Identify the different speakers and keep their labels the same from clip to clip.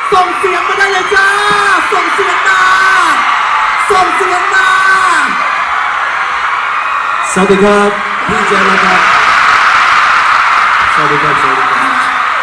Speaker 1: ส่งเสียงมาได้เลยจ้าส่งเสียงมาส่งเสียงมา
Speaker 2: สวัสดีครับพี่เจนะครับสวัสดีครับสวัสดีครับ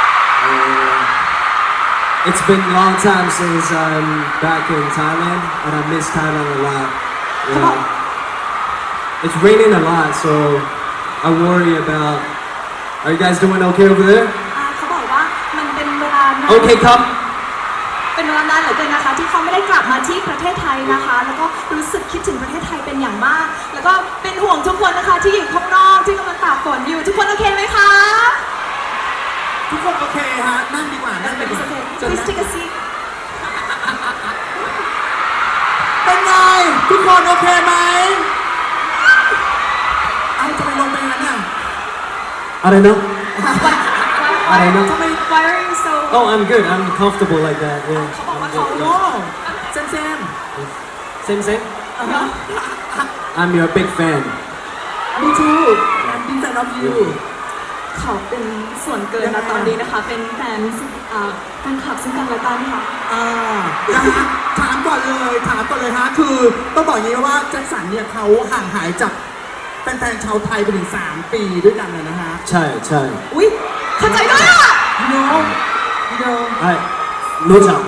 Speaker 2: It's been a long time since I'm back in Thailand and I miss Thailand a lot. You know, it's raining a lot, so I worry about. Are you guys doing okay over there?
Speaker 3: เขาบอกว่ามันเป็นเวลานาน
Speaker 2: Okay, come.
Speaker 3: เป็นเวลานานเหลือเกินนะคะที่เขาไม่ได้กลับมาที่ประเทศไทยนะคะ แล้วก็รู้สึกคิดถึงประเทศไทยเป็นอย่างมาก แล้วก็เป็นห่วงทุกคนนะคะที่อยู่ข้างนอกที่กำลังตากฝนอยู่ทุกคนโอเคไหมคะ
Speaker 1: ทุกคนโอเคฮะนั่งดีกว่านั่งดีกว่า
Speaker 3: Please take a seat
Speaker 1: เป็นไงทุกคนโอเคไหมเอาจะไปลงไปงั้นน่ะ
Speaker 2: I don't know.
Speaker 3: Why
Speaker 2: I don't know.
Speaker 3: Why are you so
Speaker 2: Oh, I'm good. I'm comfortable like that. Yeah.
Speaker 3: เขาบอกว่า
Speaker 2: I'm
Speaker 3: เขา
Speaker 2: good.
Speaker 1: โอ้เซม
Speaker 2: Same, same. I'm your big fan.
Speaker 1: มีทูand big fan of you
Speaker 3: เขาเป็นส่วนเกินนะตอนนี้นะคะเป็นแฟนคลับซึ่งกันและกันค่ะ
Speaker 1: นะฮะถามก่อนเลยฮะคือต้องบอกอย่างนี้ว่าแจ็คสันเนี่ยเขาห่างหายจากแฟนๆชาวไทยไปถึง3 ปีด้วยกันเลยนะฮะ
Speaker 2: ใช่ใช่
Speaker 3: อุ๊ยเข้าใจด้วยอ่ะ
Speaker 1: you know
Speaker 2: ไอ้รู้จัก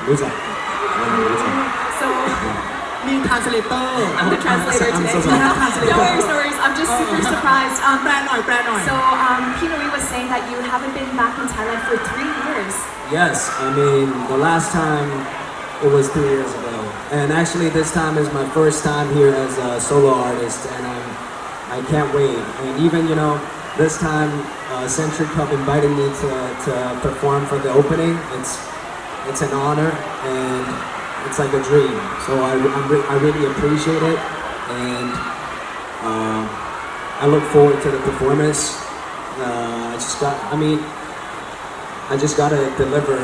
Speaker 3: so
Speaker 1: มี translator
Speaker 3: I'm the translator
Speaker 2: I'm so
Speaker 3: today.
Speaker 2: sorry.
Speaker 3: No worries. I'm just super surprised.
Speaker 1: แปลหน่อย
Speaker 3: So Pinoi was saying that you haven't been back in Thailand for 3 years.
Speaker 2: Yes, I mean the last time it was 3 years ago, and actually this time is my first time here as a solo artist, and I can't wait. And even this time Century Cup invited me to perform for the opening. It's an honor and it's like a dream. So I really appreciate it, and I look forward to the performance. I just gotta deliver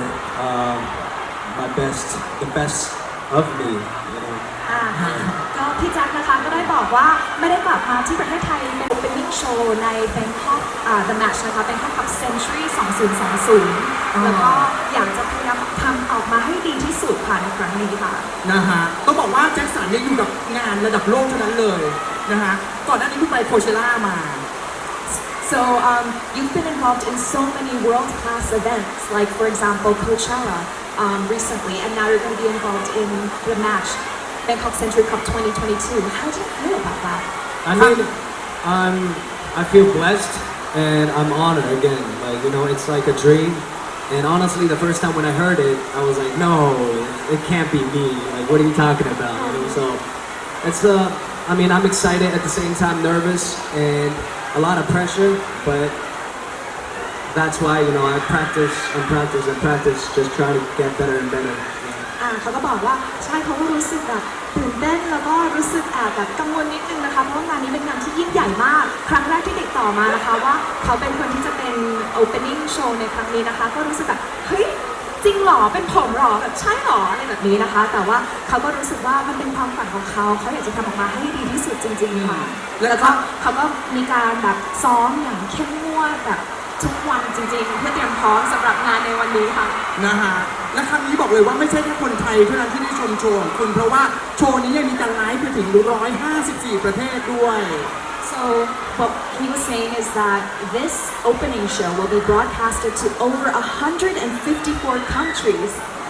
Speaker 2: my best, the best of me.
Speaker 3: ก็พี่แจ็คนะคะก็ได้บอกว่าไม่ได้กลับมาที่ประเทศไทยเป็น opening show ใน Bangkok The Match นะคะ Bangkok Cup Century 2020 แล้วก็อยากจะพยายามทำออกมาให้ดีที่สุดค่ะในครั้งนี้ค่ะ
Speaker 1: นะฮะต้องบอกว่าแจ็คสันเนี่ยอยู่กับงานระดับโลกเท่านั้นเลยนะฮะก่อนหน้านี้เพิ่งไปโคเชล่ามา
Speaker 3: So you've been involved in so many world-class events, like for example Coachella recently, and now you're going to be involved in the match, Bangkok Century Cup 2022. How do you feel about that?
Speaker 2: I mean, I feel blessed and I'm honored again. Like it's like a dream. And honestly, the first time when I heard it, I was like, no, it can't be me. Like, what are you talking about? So it's I'm excited at the same time, nervous and a lot of pressure, but that's why I practice and practice and practice, just try to get better and better.
Speaker 3: เขาก็บอกว่าใช่เขาก็รู้สึกแบบตื่นเต้นแล้วก็รู้สึกแอบแบบกังวลนิดนึงนะคะเพราะว่างานนี้เป็นงานที่ยิ่งใหญ่มากครั้งแรกที่ติดต่อมานะคะว่าเขาเป็นคนที่จะเป็น opening show ในครั้งนี้นะคะก็รู้สึกแบบเฮ้ยจริงหรอเป็นผมหรอแบบใช่หรออะไรแบบนี้นะคะแต่ว่าเขาก็รู้สึกว่ามันเป็นความฝันของเขาอยากจะทำออกมาให้ดีที่สุดจริงๆค่ะแล้วก็เขาก็มีการแบบซ้อมอย่างเข้มงวดแบบทุกวันจริงๆเพื่อเตรียมพร้อมสำหรับงานในวันนี้ค่ะ
Speaker 1: นะฮะและครั้งนี้บอกเลยว่าไม่ใช่แค่คนไทยเท่านั้นที่ได้ชมโชว์ของคุณเพราะว่าโชว์นี้ยังมีการไลฟ์ไปถึง154 ประเทศด้วย
Speaker 3: So what he was saying is that this opening show will be broadcasted to over 154 countries.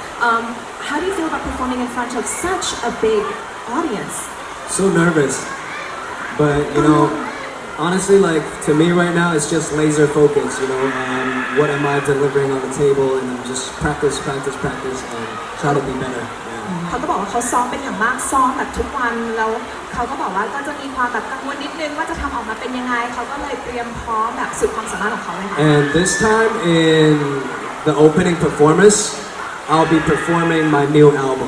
Speaker 3: How do you feel about performing in front of such a big audience?
Speaker 2: So nervous, but honestly, like to me right now, it's just laser focus. What am I delivering on the table, and I'm just practice, and try to be better.
Speaker 3: เขาก็บอกว่าเขาซ้อมเป็นอย่างมากซ้อมแบบทุกวันแล้วเขาก็บอกว่าก็จะมีความแบบกังวลนิดนึงว่าจะทำออกมาเป็นยังไงเขาก็เลยเตรียมพร้อมแบบสุดความสามารถของเขาเลยค่ะ
Speaker 2: And this time in the opening performance, I'll be performing my new album.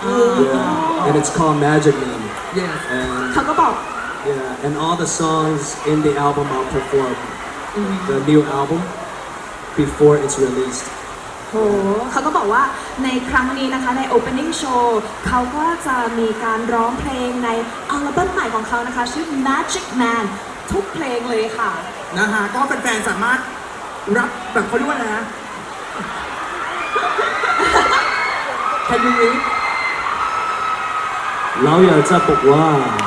Speaker 2: Yeah, and it's called Magic Man.
Speaker 1: Yes.
Speaker 3: เขาก็บอก
Speaker 2: Yeah, and all the songs in the album I'll perform the new album before it's released.
Speaker 3: โหเขาก็บอกว่าในครั้งนี้นะคะใน opening show เขาก็จะมีการร้องเพลงในอัลบั้มใหม่ของเขานะคะชื่อ Magic Man ทุกเพลงเลยค่ะ
Speaker 1: นะฮะก็แฟนๆสามารถรับแบบเขาเรียกว่าอะไรนะ Can you read
Speaker 2: เราอยากจะบอกว่า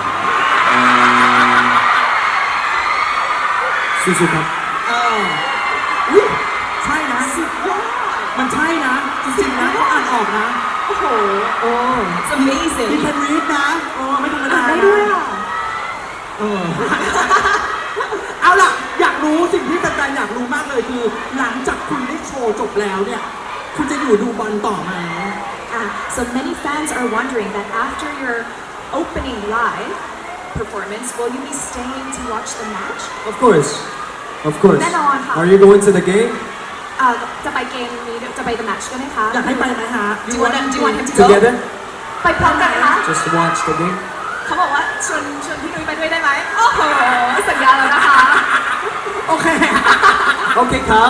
Speaker 2: สู้ๆครับ
Speaker 1: อุ๊ยใช่นะมันใช่นะ จริงๆนะเขาอ่านออกนะ
Speaker 3: โอ้โห
Speaker 1: โอ้
Speaker 3: it's amazing
Speaker 1: You can read นะโอ้ไม่ธรรมดา
Speaker 3: อ่านได้
Speaker 1: นะ
Speaker 3: ด้วยอ่ะ
Speaker 1: เออ เอาล่ะ อยากรู้สิ่งที่แฟนๆอยากรู้มากเลยคือ หลังจากคุณได้โชว์จบแล้วเนี่ย คุณจะอยู่ดูบอลต่อไหม
Speaker 3: So many fans are wondering that after your opening live performance, will you be staying to watch the match?
Speaker 2: Of course of course
Speaker 3: แน่นอนค่ะ
Speaker 2: Are you going to the game
Speaker 3: จะไปเกมนี้จะไป the match ด้วยไหมคะ
Speaker 1: อยากให้ไปไหมฮะ
Speaker 3: Do you want him to go?
Speaker 2: together
Speaker 3: ไปพร้อมกันคะ
Speaker 2: just to watch the game
Speaker 3: เขาบอกว่าชวนพี่นุ้ยไปด้วยได้ไหมโอ้โหสัญญาแล้วนะคะ
Speaker 1: โอเค
Speaker 2: Okay ครับ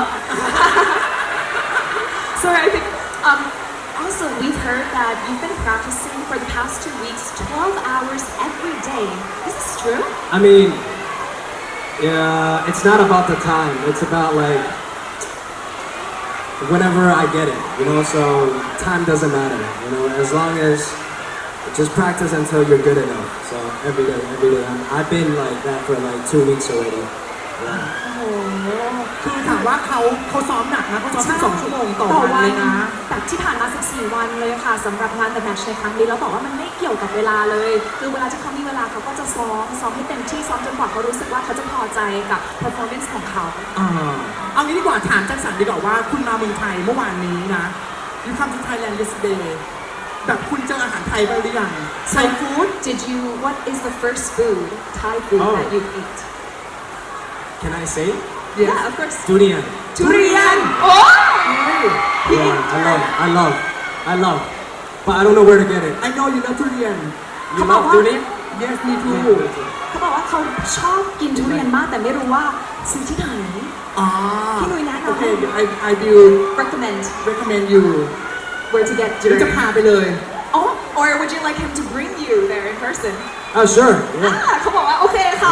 Speaker 3: So I think also we've heard that you've been practicing for the past 2 weeks 12 hours every day. Is this true?
Speaker 2: I mean, yeah, it's not about the time. It's about like whenever I get it, you know. So time doesn't matter, you know. As long as just practice until you're good enough. So every day. I've been like that for like 2 weeks already. Yeah.
Speaker 3: โอ้โห
Speaker 1: คือถามว่าเขาซ้อมหนักนะเขาซ้อม12 ชั่วโมงต่อวันเลยนะ
Speaker 3: แบบที่ผ่านมา 14 วันเลยค่ะสำหรับงาน The Match ในครั้งนี้แล้วบอกว่ามันไม่เกี่ยวกับเวลาเลย คือเวลาที่เขามีเวลาเขาก็จะซ้อมให้เต็มที่ซ้อมจนกว่าเขารู้สึกว่าเขาจะพอใจกับ performance ของเขา
Speaker 1: เอางี้ดีกว่าถามแจ็คสันดีกว่าว่าคุณมาเมืองไทยเมื่อวานนี้นะ You come to Thailand yesterday แบบคุณเจออาหารไทยบ้างหรือยัง Thai food
Speaker 3: What is the first food Thai food
Speaker 2: Oh.
Speaker 3: that you've ate
Speaker 2: Can I say?
Speaker 3: Yeah of course
Speaker 2: Durian.
Speaker 1: ทุเรียน
Speaker 3: โอ้
Speaker 2: Yeah, I love. But I don't know where to get it.
Speaker 1: I know you love ทุเรียน
Speaker 2: You love durian?
Speaker 1: Yes me too
Speaker 3: เขาบอกว่าเขาชอบกินทุเรียนมากแต่ไม่รู้ว่าซื้อที่ไหน
Speaker 1: อ๋อ
Speaker 3: พี่หนุ่ยแนะนำ
Speaker 1: โอเค I will
Speaker 3: recommend
Speaker 1: recommend you
Speaker 3: where to get
Speaker 1: เดี๋ยวจะ
Speaker 3: durian
Speaker 1: พาไปเลย
Speaker 3: Oh or would you like him to bring you there in person
Speaker 2: Oh, sure. Yeah.
Speaker 3: เขาบอกว่าโอเคค่ะ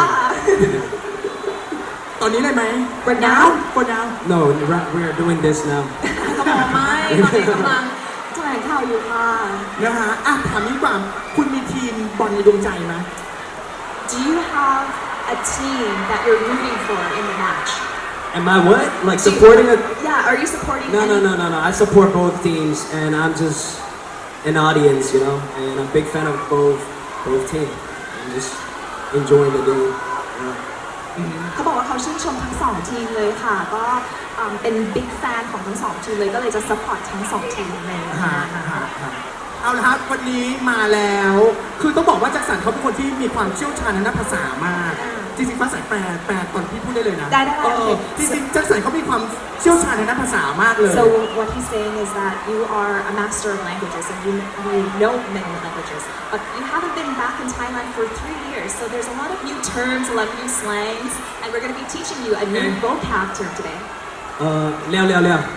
Speaker 1: ตอนนี้เลยไหม
Speaker 3: Right now?
Speaker 1: For now
Speaker 2: No, we're doing this now.
Speaker 3: เขาบอกว่าไม่ตอนนี้กำลังแถลงข่าวอยู่ค่ะ
Speaker 1: นะฮะอ่ะถามนี้ดีกว่าคุณมีทีมบอลในดวงใจไหม
Speaker 3: Do you have a team that you're rooting for in the match
Speaker 2: Am I what? Like supporting a?
Speaker 3: Yeah are you supporting
Speaker 2: No.
Speaker 3: any-
Speaker 2: I support both teams, and I'm just an audience, you know, and I'm a big fan of both teams. I'm just enjoying the game. Yeah.
Speaker 3: เขาบอกว่าเขาชื่นชมทั้งสองทีมเลยค่ะก็เป็นบิ๊กแฟนของทั้งสองทีมเลยก็เลยจะซัพพอร์ตทั้งสองทีมในงานนะคะ
Speaker 1: เอาละครับวันนี้มาแล้ว คือต้องบอกว่าแจ็คสันเขาเป็นคนที่มีความเชี่ยวชาญในด้านภาษามาก จริงๆภาษาแปลก่อนพี่พูดได้เลยนะ
Speaker 3: ได้
Speaker 1: เออจริงๆแจ็คสันเขามีความเชี่ยวชาญในด้านภาษามากเลย
Speaker 3: So what he's saying is that you are a master of languages and you know many languages, but you haven't been back in Thailand for 3 years. So there's a lot of new terms, a lot of new slangs, and we're going to be teaching you a new vocab term today.
Speaker 2: เร็ว
Speaker 3: แล้ว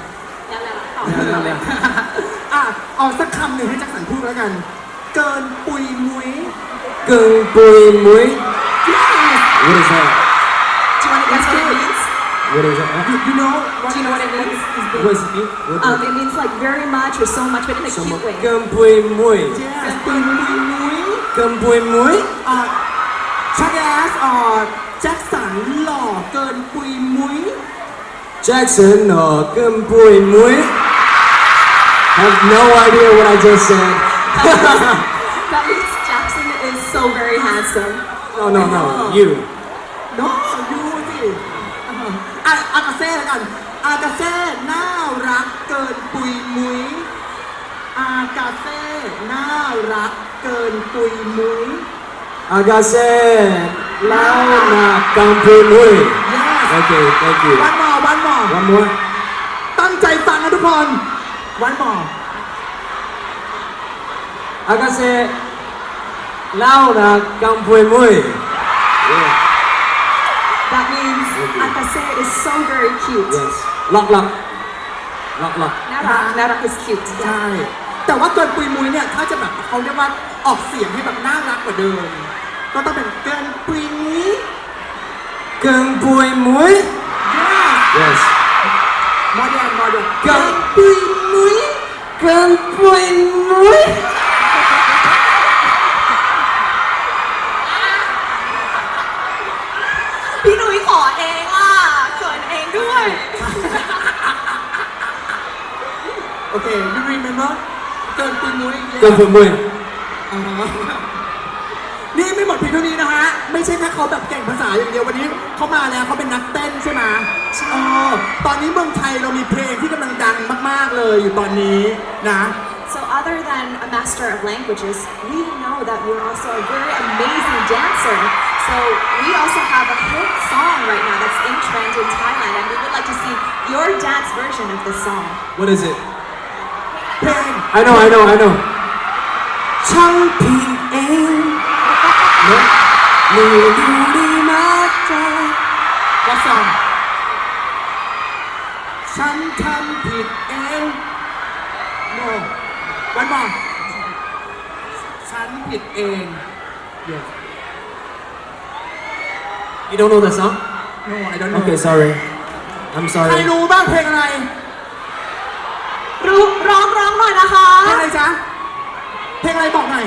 Speaker 1: อ่ะเอาสักคำหนึ่งให้แจ็คสันพูดแล้วกัน เกินปุยมุ้ย
Speaker 2: Gung Bui Mui.
Speaker 1: Yes
Speaker 2: What is that?
Speaker 3: Do you want to guess what it means?
Speaker 2: What is that?
Speaker 1: You know
Speaker 3: Do you know what it means?
Speaker 2: What does it mean? What
Speaker 3: It means like very much or so much, but in a
Speaker 2: so
Speaker 3: cute way.
Speaker 2: Gung Bui Mui.
Speaker 1: Yes ปุยมุ้ย
Speaker 2: Gung Bui Mui.
Speaker 1: ชักแอสแจ็คสันหล่อเกินปุยมุ้ย
Speaker 2: Jackson or Gung Bui Mui. Have no idea what I just said.
Speaker 3: That means Jackson is so very handsome.
Speaker 2: No. You.
Speaker 1: โน้ยูสิอากาเซ่แล้วกัน อากาเซ่น่ารักเกินปุยมุ้ย อากาเซ่น่ารักเกินปุยมุ้ย
Speaker 2: Agase Lao Na Gung Bui Mui.
Speaker 1: Yes
Speaker 2: Okay, thank you.
Speaker 1: วันหมอ
Speaker 2: One more.
Speaker 1: ตั้งใจฟังนะทุกคน วันหมอ
Speaker 2: Agase Lao Na Gung Bui Mui. Yeah.
Speaker 3: That means Akase is so very cute.
Speaker 2: Yes. Lock.
Speaker 3: Narak is cute.
Speaker 1: ใช่ แต่ว่าเกินปุยมุ้ยเนี่ย ถ้าจะแบบเขาเรียกว่าออกเสียงให้แบบน่ารักกว่าเดิม ก็ต้องเป็นเกินปุยมุ้ย
Speaker 2: Gung Bui Mui.
Speaker 1: Yes
Speaker 2: Yes.
Speaker 1: โมเดล
Speaker 2: เกิน
Speaker 1: ปุยมุ้ย
Speaker 2: Gung Bui Mui.
Speaker 3: พี่หนุ่ยขอเองอ่ะเขินเองด้วย
Speaker 1: โอเค you remember เกินปุยมุ้ย
Speaker 2: เกินปุยมุย
Speaker 1: อ๋อนี่ไม่หมดเพียงเท่านี้นะฮะ ไม่ใช่แค่เขาแบบเก่งภาษาอย่างเดียววันนี้เขามาแล้วเขาเป็นนักเต้นใช่ไหม
Speaker 3: ใช่
Speaker 1: ตอนนี้เมืองไทยเรามีเพลงที่กำลังดังมากๆเลยอยู่ตอนนี้นะ
Speaker 3: So other than a master of languages, we know that you're also a very amazing dancer. So we also have a hit song right now that's in trend in Thailand, and we would like to see your dance version of this song.
Speaker 2: What is it?
Speaker 1: เพลง
Speaker 2: I know ช่างผิดเองเนอะนี่ดูดีมากใจ
Speaker 1: ก็สองฉันทำผิดเองโนวันบอกฉันผิดเอง yes
Speaker 2: You don't know the song?
Speaker 1: no I don't know
Speaker 2: Okay, sorry. I'm
Speaker 1: ใคร
Speaker 2: sorry.
Speaker 1: รู้บ้างเพลงอะไร
Speaker 3: ร้องหน่อยนะคะ
Speaker 1: เพลงอะไรจ๊ะ เพลงอะไรบอกหน่อย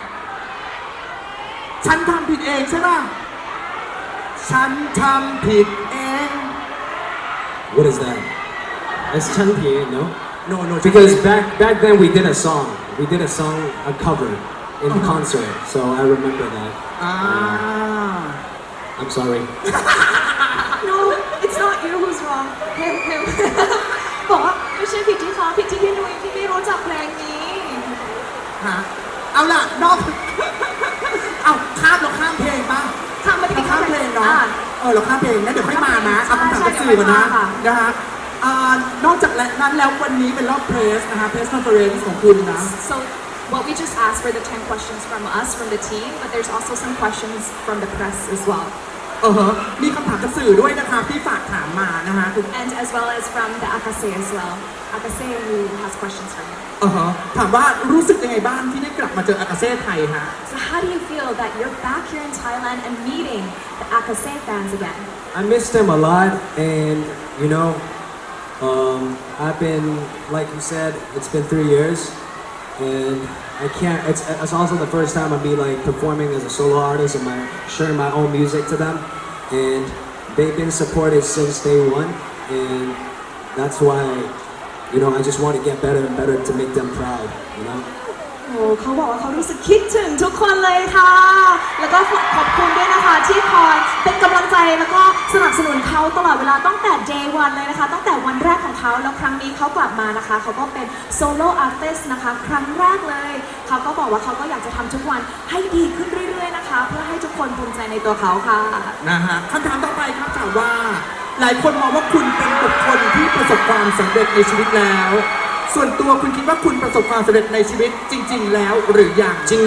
Speaker 1: ฉันทำผิดเองใช่ป่ะ ฉันทำผิดเอง
Speaker 2: What is that? It's Chanpie, no?
Speaker 1: no no
Speaker 2: Because back then we did a song. We did a song, a cover in the concert. So I remember that.
Speaker 1: อ่า
Speaker 2: I'm sorry.
Speaker 3: No it's not you who's wrong him บอกว่าไม่ใช่ผิดที่เขาผิดที่พี่นุ้ยที่ไม่รู้จักเพลงนี้
Speaker 1: ฮะเอาล่ะนอก เอาข้ามเราข้ามเพลงป่ะ
Speaker 3: ข้ามมาที่
Speaker 1: เราข้ามเพลงเนาะ
Speaker 3: อ่ะ
Speaker 1: เราข้ามเพลงนะเดี๋ยวค่อยมานะ เอาคำถามจากสื่อก่อนนะ นะฮะนอกจากนั้นแล้ววันนี้เป็นรอบเพรสนะคะเพรสคอนเฟอเรนซ์ของคุณนะ
Speaker 3: So what we just asked were the 10 questions from us, from the team, but there's also some questions from the press as well.
Speaker 1: มีคำถามจากสื่อด้วยนะคะที่ฝากถามมานะคะ
Speaker 3: And as well as from the Akase as well. Akase who has questions for you.
Speaker 1: ถามว่ารู้สึกยังไงบ้างที่ได้กลับมาเจออากาเซ่ไทยฮะ
Speaker 3: So how do you feel that you're back here in Thailand and meeting the Akase fans again?
Speaker 2: I miss them a lot, and you know, I've been, like you said, it's been 3 years, and I can't. It's also the first time I'll be like performing as a solo artist and sharing my own music to them, and they've been supported since day one, and that's why, you know, I just want to get better and better to make them proud, you know.
Speaker 3: โอ้เขาบอกว่าเขารู้สึกคิดถึงทุกคนเลยค่ะ แล้วก็ขอบคุณด้วยนะคะที่คอยเป็นกำลังใจแล้วก็สนับสนุนเขาตลอดเวลาตั้งแต่ day one เลยนะคะ ตั้งแต่วันแรกของเขาแล้วครั้งนี้เขากลับมานะคะ เขาก็เป็นโซโล่อาร์ติสต์นะคะ ครั้งแรกเลย เขาก็บอกว่าเขาก็อยากจะทำทุกวันให้ดีขึ้นเรื่อยๆนะคะ เพื่อให้ทุกคนภูมิใจในตัวเขาค่ะ
Speaker 1: นะฮะคำถามต่อไปครับถามว่า หลายคนมองว่าคุณเป็นบุคคลที่ประสบความสำเร็จในชีวิตแล้ว ส่วนตัวคุณคิดว่าคุณประสบความสำเร็จในชีวิตจริง ๆ แล้วหรือยัง
Speaker 2: 징징.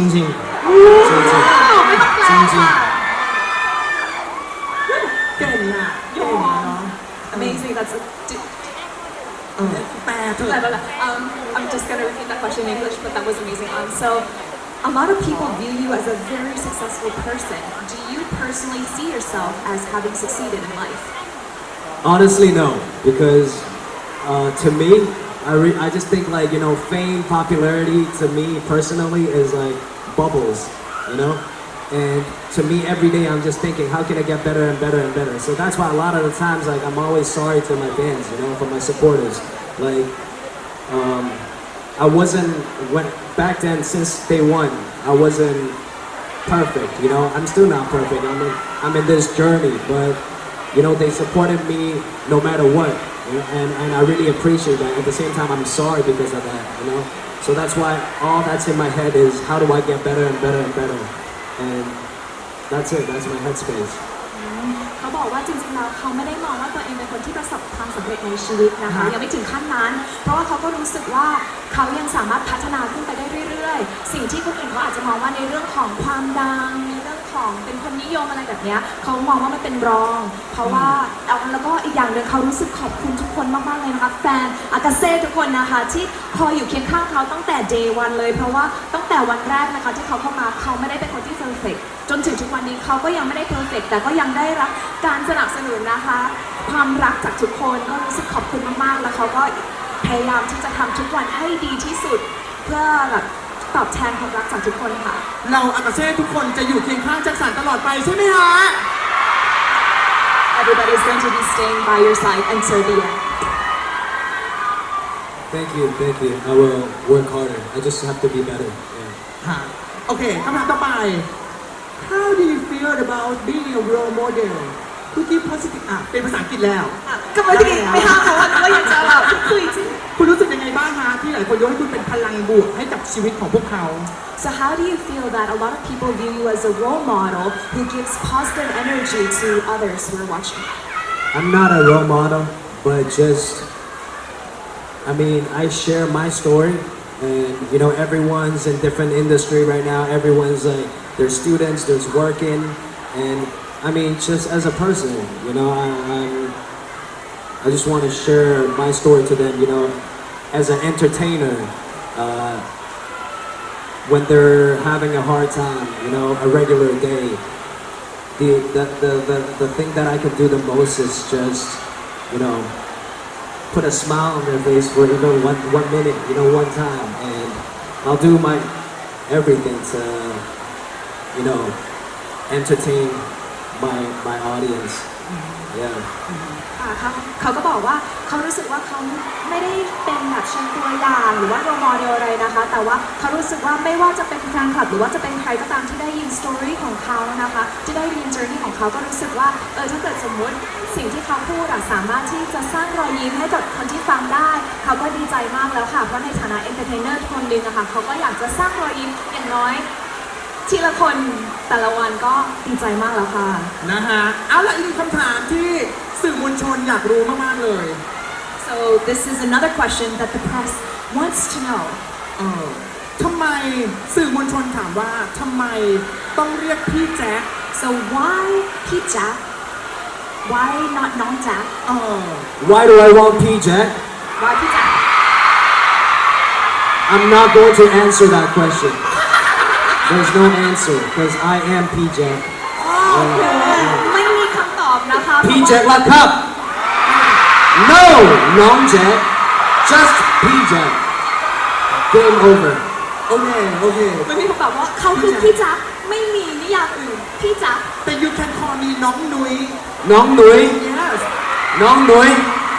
Speaker 3: ไม่ต้องแปลค่ะ
Speaker 1: เก่งอ่ะเก่งอะเนาะ
Speaker 3: Amazing that's a,
Speaker 1: แปลเถ
Speaker 3: Blah,
Speaker 1: อะ
Speaker 3: blah, blah. I'm just gonna repeat that question in English, but that was amazing. So, a lot of people view you as a very successful person. Do you personally see yourself as having succeeded in life?
Speaker 2: Honestly, no, because to me, I just think like, you know, fame, popularity to me personally is like bubbles, you know? And to me, every day I'm just thinking, how can I get better and better and better? So that's why a lot of the times, like, I'm always sorry to my fans, you know, for my supporters. Like, I wasn't, back then, since day one, I wasn't perfect, you know? I'm still not perfect. I'm in this journey, but, you know, they supported me no matter what. And I really appreciate that. At the same time, I'm sorry because of that, you know? So that's why all that's in my head is how do I get better and better and better? And that's it. That's my headspace.
Speaker 3: เขาบอกว่าจริงๆแล้วเขาไม่ได้มองว่าตัวเองเป็นคนที่ประสบความสำเร็จในชีวิตนะคะยังไม่ถึงขั้นนั้น เพราะว่าเขาก็รู้สึกว่าเขายังสามารถพัฒนาขึ้นไปได้เรื่อยๆ สิ่งที่คนอื่นเขาอาจจะมองว่าในเรื่องของความดังในเรื่องของเป็นคนนิยมอะไรแบบเนี้ยเขามองว่ามันเป็นรอง เพราะว่าแล้วก็อีกอย่างหนึ่งเขารู้สึกขอบคุณทุกคนมากๆเลยนะคะแฟนอากาเซ่ทุกคนนะคะที่คอยอยู่เคียงข้างเขาตั้งแต่ day one เลยเพราะว่าตั้งแต่วันแรกนะคะที่เขาเข้ามาเขาไม่ได้เป็นคนที่ perfect จนถึงทุกวันนี้เขาก็ยังไม่ได้ perfect แต่ก็ยังได้รับการสนับสนุนนะคะ ความรักจากทุกคนก็รู้สึกขอบคุณมากๆ แล้วเขาก็พยายามที่จะทำทุกวันให้ดีที่สุด เพื่อแบบตอบแทนความรักจากทุกคนค่ะ
Speaker 1: เราอากาเซ่ทุกคนจะอยู่เคียงข้างแจ็คสันตลอดไปใช่ไหมฮะ
Speaker 3: everybody is going to be staying by your side until the end.
Speaker 2: Thank you, thank you. I will work harder. I just have to be better. Yeah.
Speaker 1: ฮะโอเคคำถามต่อไป How do you feel about being a role model who give positive เป็นภาษาอังกฤษแล้ว
Speaker 3: ก็ไม่ได้ไม่ห้ามเขาว่าก็ยังจะแบบคุยจริง
Speaker 1: คุณรู้สึกยังไงบ้างฮะที่หลายคนยกให้คุณเป็นพลังบวกให้กับชีวิตของพวกเขา
Speaker 3: So how do you feel that a lot of people view you as a role model who gives positive energy to others who are watching?
Speaker 2: I'm not a role model, but just, I mean, I share my story, and you know, everyone's in different industry right now. Everyone's like, there's students, there's working, and I mean, just as a person, you know, I just want to share my story to them, you know, as an entertainer. When they're having a hard time, you know, a regular day, the thing that I can do the most is just, you know, put a smile on their face for even one minute, you know, one time, and I'll do my everything to, you know, entertain my audience. Yeah.
Speaker 3: ค่ะเขาก็บอกว่าเขารู้สึกว่าเขาไม่ได้เป็นแบบเชิงตัวอย่างหรือว่าโรโมเดลอะไรนะคะ แต่ว่าเขารู้สึกว่าไม่ว่าจะเป็นแฟนคลับหรือว่าจะเป็นใครก็ตามที่ได้ยินสตอรี่ของเขานะคะที่ได้ยินเจอร์นี่ของเขาก็รู้สึกว่าถ้าเกิดสมมติสิ่งที่เขาพูดสามารถที่จะสร้างรอยยิ้มให้กับคนที่ฟังได้เขาก็ดีใจมากแล้วค่ะเพราะในฐานะเอนเตอร์เทนเนอร์คนหนึ่งนะคะเขาก็อยากจะสร้างรอยยิ้มอย่างน้อยทีละคนแต่ละวันก็ดีใจมากแล้วค่ะ
Speaker 1: นะฮะ เอาละอีกคำถามที่สื่อมวลชนอยากรู้มากๆเลย
Speaker 3: So this is another question that the press wants to know.
Speaker 1: ทำไมสื่อมวลชนถามว่าทำไมต้องเรียกพี่แจ๊ค
Speaker 3: So why Pete Jack? Why not Nong Jack?
Speaker 2: Why do I want P Jack?
Speaker 3: Why Pete Jack?
Speaker 2: I'm not going to answer that question. There's no answer because I am P Jack.
Speaker 3: ไม่มีคำตอบนะคะ
Speaker 2: P Jack lock up. No, Nong Jack. Just P Jack. Game over.
Speaker 1: โอเค โอเค
Speaker 3: ไม่มีคำตอบว่าเขาคือพี่จักไม่มีนิยามอื่นพี่จัก
Speaker 1: แต่ you can call me น้องนุ้ย
Speaker 2: Nong Nui.
Speaker 1: yes
Speaker 2: Nong Nui.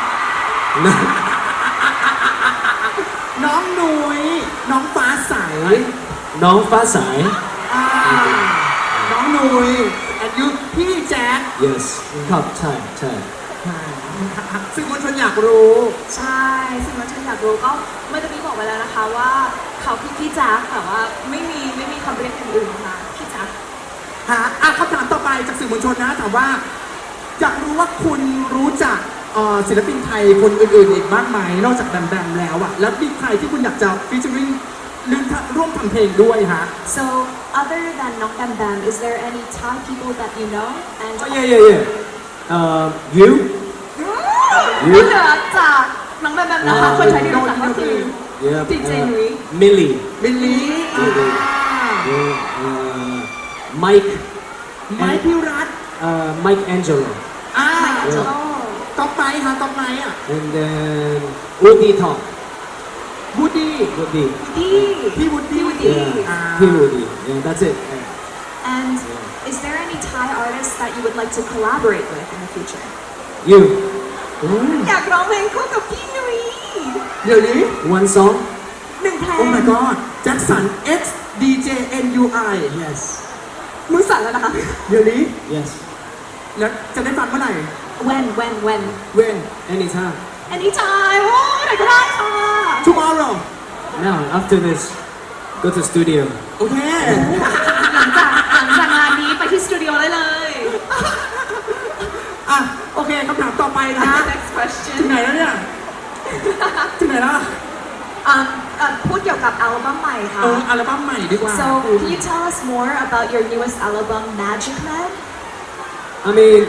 Speaker 1: น้องนุ้ย น้องฟ้าใส
Speaker 2: Nong Fa Sai.
Speaker 1: น้องนุ้ย and you พี่แจ๊ค
Speaker 2: Yes. Cup time.
Speaker 1: สื่อมวลชนอยากรู้
Speaker 3: ใช่สิ่งที่ฉันอยากรู้ก็เมื่อกี้บอกไปแล้วนะคะว่าเขาคือพี่จักแต่ว่าไม่มีคำเรียกอื่นๆค่ะพี่จัก
Speaker 1: คำถามต่อไปจากสื่อมวลชนนะถามว่าอยากรู้ว่าคุณรู้จักศิลปินไทยคนอื่นๆอีกมากไหมนอกจากแบมแบมแล้วอะแล้วมีใครที่คุณอยากจะฟีเจอริ่งหรือร่วมทำเพลงด้วยฮะ
Speaker 3: So other than Nong Bam Bam is there any Thai people that you know and
Speaker 2: Oh yeah. You?
Speaker 3: นอกเหนือจากน้องแบมแบมนะคะคนไทยที่รู้จักก็คือ
Speaker 2: Yeah.
Speaker 3: DJ Nui.
Speaker 2: Millie.
Speaker 1: มิลลี่
Speaker 2: Mike.
Speaker 1: ไม้พิรัต
Speaker 2: Mike Angelo.
Speaker 1: ก๊อปไม้ฮะก๊อปไม้อะ
Speaker 2: And then Woody Talk.
Speaker 1: วูดดี้
Speaker 2: Woody.
Speaker 3: ดี
Speaker 1: พี่วูดดี้
Speaker 2: Yeah. He Woody. Yeah, that's it. Yeah.
Speaker 3: And is there any Thai artists that you would like to collaborate with in the future?
Speaker 2: You.
Speaker 3: อยากร้องเพลงคู่กับพี่นุ้ย
Speaker 1: เดี๋ยวนี้
Speaker 2: One song?
Speaker 3: หนึ่งเพล
Speaker 1: โอ้
Speaker 3: ง
Speaker 1: my god แจ็คสัน X DJ NUI
Speaker 2: Yes.
Speaker 3: มือสั่นแล้วนะคะ
Speaker 1: เดี๋ยวนี้
Speaker 2: Yes.
Speaker 1: แล้วจะได้ฟังเมื่อไหร่
Speaker 3: When
Speaker 1: เว้น
Speaker 2: Anytime.
Speaker 3: anytime โอ้ไหนก็ได้ค่ะ
Speaker 1: tomorrow
Speaker 2: Now, after this, go to studio.
Speaker 1: โอเค
Speaker 3: หลังจากงานนี้ไปที่สตูดิโอได้เลย
Speaker 1: โอเคคำถามต่อไปนะฮะ
Speaker 3: Next question
Speaker 1: ถึงไหนแล้วเนี่ย ถึงไหนแล้ว
Speaker 3: พูดเกี่ยวกับอัลบั้มใหม่ค่ะ
Speaker 1: อัลบั้มใหม่ดีกว่า
Speaker 3: So can you tell us more about your newest album Magic Man
Speaker 2: I mean,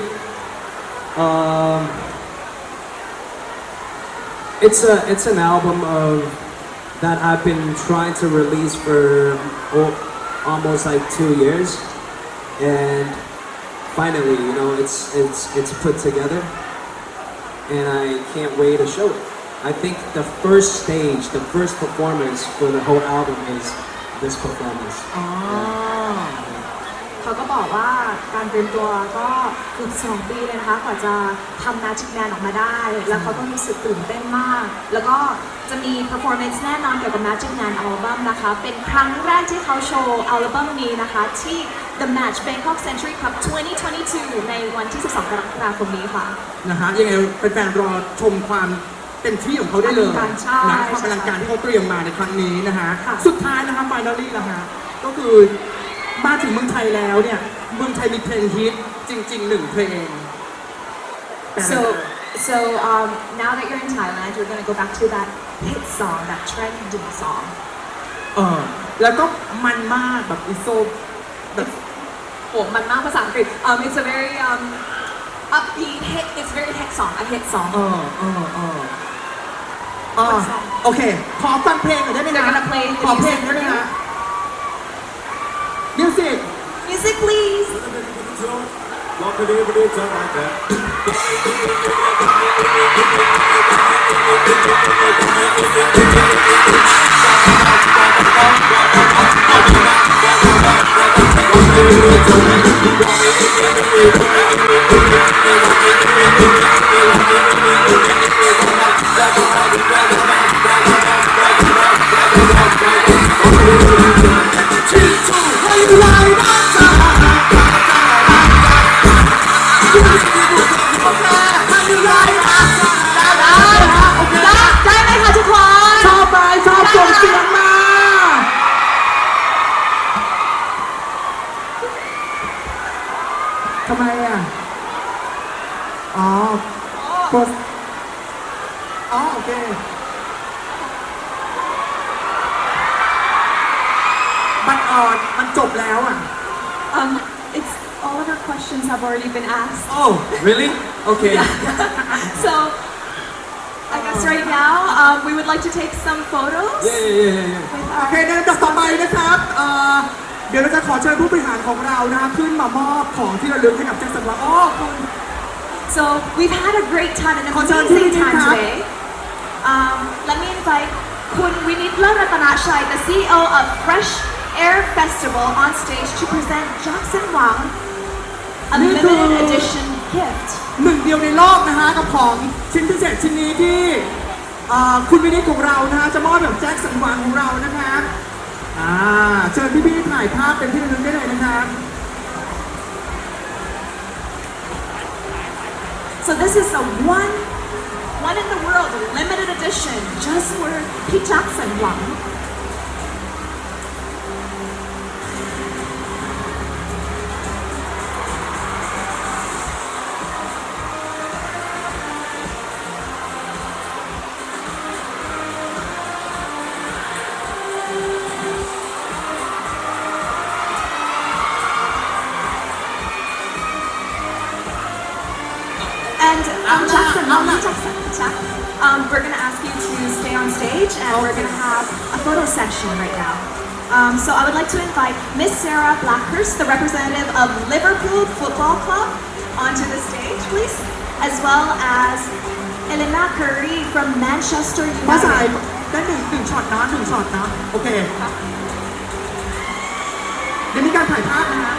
Speaker 2: it's an album of that I've been trying to release for almost like 2 years, and finally, you know, it's put together, and I can't wait to show it. I think the first stage, the first performance for the whole album is this performance.
Speaker 3: เขาก็บอกว่าการเตรียมตัวก็เกือบ2 ปีเลยนะคะกว่าจะทำ Magic Man ออกมาได้ แล้วเขาก็รู้สึกตื่นเต้นมาก แล้วก็จะมี performance แน่นอนเกี่ยวกับ Magic Man อัลบั้มนะคะ เป็นครั้งแรกที่เขาโชว์อัลบั้มนี้นะคะที่ The Match Bangkok Century Cup 2022 ในวันที่ 12 กรกฎาคมนี้ค่ะ
Speaker 1: นะฮะยังไงแฟนๆรอชมความเต็มที่ของเขาได้เลย
Speaker 3: อลังการใช่
Speaker 1: นะความอลังการที่เขาเตรียมมาในครั้งนี้นะฮะ
Speaker 3: ค่ะ
Speaker 1: สุดท้ายนะคะไฟนอลลี่ละฮะก็คือมาถึงเมืองไทยแล้วเนี่ยเมืองไทยมีเพลงฮิตจริงๆ1 เพลงแต่
Speaker 3: So now that you're in Thailand, you're gonna go back to that hit song, that trending song.
Speaker 1: แล้วก็มันมากแบบอิโซแบบ
Speaker 3: Oh, มันมากภาษาอังกฤษ It's a very upbeat hit. It's a very hit song, a hit song.
Speaker 1: โอเค ขอฟังเพลงหน่อยได้ไหม
Speaker 3: They're
Speaker 1: นะ
Speaker 3: gonna play the
Speaker 1: ขอเพลง
Speaker 3: music
Speaker 1: ได้ไหม
Speaker 3: for you.
Speaker 1: ฮะมิวสิก
Speaker 3: Music, please.ได้ไหมคะทุกคน
Speaker 1: ชอบไหมชอบส่งเสียงมาทำไมอ่ะอ๋อโพสโอเคมันจบแล้วอ่ะ
Speaker 3: It's all of our questions have already been asked.
Speaker 2: Oh, really? Okay.
Speaker 3: So I guess right now we would like to take some photos
Speaker 2: Yeah.
Speaker 3: with
Speaker 1: โอเค
Speaker 3: our
Speaker 1: ในลำดับต่อไปนะครับเดี๋ยวเราจะขอเชิญผู้บริหารของเรานะคะขึ้นมามอบของที่ระลึกให้กับแจ็คสันหวังคุณ
Speaker 3: So we've had a great time, an
Speaker 1: ขอเชิญที่
Speaker 3: amazing
Speaker 1: นี่
Speaker 3: time
Speaker 1: ครับ
Speaker 3: today. Let me invite Kun Winitla Ratanashai, the CEO of Fresh Air Festival, on stage to present Jackson Wang a limited edition gift.
Speaker 1: หนึ่งเดียวในโลกนะคะกับของชิ้นพิเศษชิ้นนี้ที่คุณวินิจของเรานะคะจะมอบแบบแจ็คสันหวังของเรานะคะเชิญพี่ๆถ่ายภาพเป็นที่ระลึกได้เลยนะครับ
Speaker 3: So this is a one in the world limited edition just for Pete Jackson Wang. And Jackson, we're gonna ask you to stay on stage, and we're gonna have a photo section right now. So I would like to invite Miss Sarah Blackhurst, the representative of Liverpool Football Club, onto the stage, please, as well as Elena Curry from Manchester
Speaker 1: ภาษา
Speaker 3: United.
Speaker 1: ได้หนึ่งช็อตนะโอเคเดี๋ยวมีการถ่ายภาพนะฮะ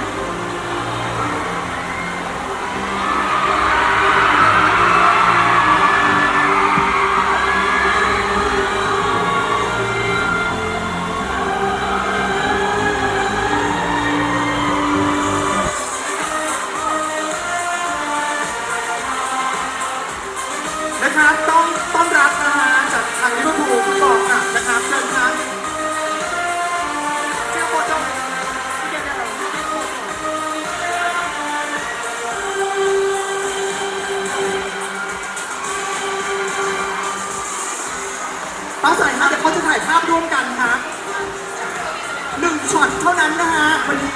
Speaker 1: นะครับต้องต้อนรับนะฮะจากทางลิเวอร์พูลฟุตบอลคลับนะครับเชิญครับเจ้าโปรโตป้าใส่ฮะเดี๋ยวเขาจะถ่ายภาพร่วมกันครับ1 ช็อตเท่านั้นนะฮะวันนี้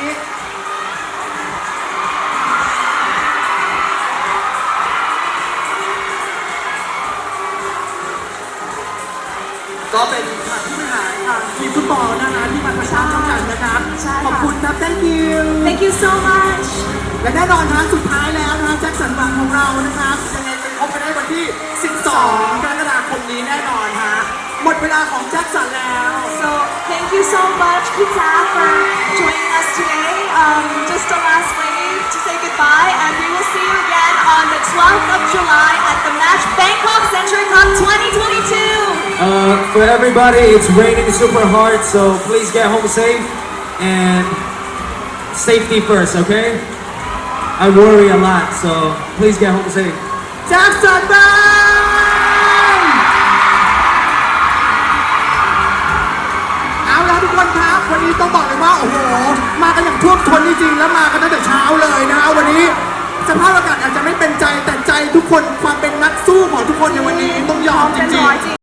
Speaker 1: ก็เป็นทางผู้บริหารทางทีมฟุตบอลนะคะที่มาถ่ายภาพร่วมกันนะครับ
Speaker 3: ใช่ค่ะ
Speaker 1: ขอบคุณครับ thank you
Speaker 3: Thank you so much.
Speaker 1: และแน่นอนทางสุดท้ายแล้วนะคะแจ็คสันหวังของเรานะครับยังไงไปพบกันได้วันที่ 12 กรกฎาคมนี้แน่นอนฮะหมดเวลาของแจ็คสันแล้ว
Speaker 3: So thank you so much, Pizza, for joining us today. Just a last wave to
Speaker 2: For everybody, it's raining super hard, so please get home safe and safety first, okay? I worry a lot, so please get home safe.
Speaker 1: จากสันบ้านเอาละทุกคนครับวันนี้ต้องบอกเลยว่าโอ้โหมากันอย่างท่วมท้นจริงๆแล้วมากันตั้งแต่เช้าเลยนะฮะวันนี้สภาพอากาศอาจจะไม่เป็นใจแต่ใจทุกคนความเป็นนักสู้ของทุกคนในวันนี้ต้องยอมจ
Speaker 3: เป็น
Speaker 1: ริ
Speaker 3: ร้
Speaker 1: ง
Speaker 3: อย
Speaker 1: ๆ
Speaker 3: จริง